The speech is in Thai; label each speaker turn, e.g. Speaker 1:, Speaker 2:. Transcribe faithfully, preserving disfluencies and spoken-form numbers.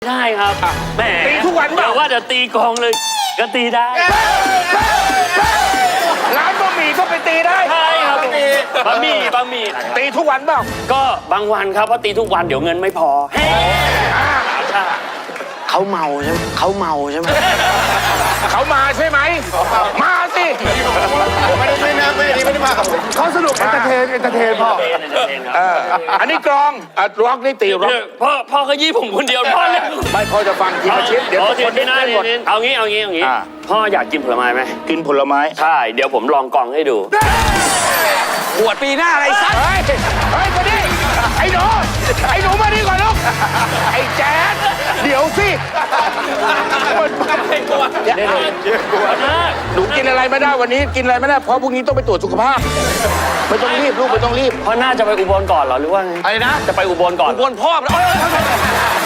Speaker 1: ได้ครับแหม
Speaker 2: ตีทุกวันเปล่า
Speaker 1: เดี๋ยวว่าจะตีกองเลยก็ตีได้
Speaker 2: ร้านบะหมี่ก็ไปตีได้
Speaker 1: ใช่ครับบะหมี่บะหมี่
Speaker 2: ตีทุกวันเปล่า
Speaker 1: ก็บางวันครับเพราะตีทุกวันเดี๋ยวเงินไม่พอเฮ้ใช่
Speaker 3: เขาเมาใช่ไหมเขาเมาใช่ไหม
Speaker 2: เขามาใช่ไหมมาสิ
Speaker 4: ไม่ได้ไม่ได้ไม่ได้ไม่ได้มากับผม
Speaker 2: เขาสนุกเอนเตอร์เทนเอนเตอร์เทนพ่อ
Speaker 1: เอนเตอร์เทนครับ
Speaker 2: เอออันนี้กรองอ่ะร็อกนี่ตีร็อก
Speaker 1: เดี๋ยวพ่อพ่อเขายี่ผมคนเดียวพ่อเล่น
Speaker 2: ไม่พ่อจะฟังทีละชิ้นเดี๋ยวทุกคน
Speaker 1: ที
Speaker 2: ได้
Speaker 1: หน้า
Speaker 2: เล่นหมด
Speaker 1: ทีเอางี้เอางี้เอางี้
Speaker 2: อ่า
Speaker 1: พ่ออยากกินผลไม้ไหม
Speaker 2: กินผลไม้
Speaker 1: ใช่เดี๋ยวผมลองกล่องให้ดู
Speaker 3: บวชปีหน้าอะไรสัก
Speaker 2: เฮ้ยเฮ้ยมาดิไอ้หนูไอ้หนูมาดิก่อนลูกไอ้แจ๊ดเดี๋ยวสิ
Speaker 1: เดี๋ยวนะ
Speaker 2: หนูกินอะไรไม่ได้วันนี้กินอะไรไม่ได้เพราะพรุ่งนี้ต้องไปตรวจสุขภาพไม่ต้องรีบลูกไม่ต้องรีบ
Speaker 1: พ่อน่าจะไปอุบลก่อนเหรอหรือว่าไง
Speaker 3: อะไรนะ
Speaker 1: จะไปอุบลก่อน
Speaker 3: บวชพ่อมันเอ้ย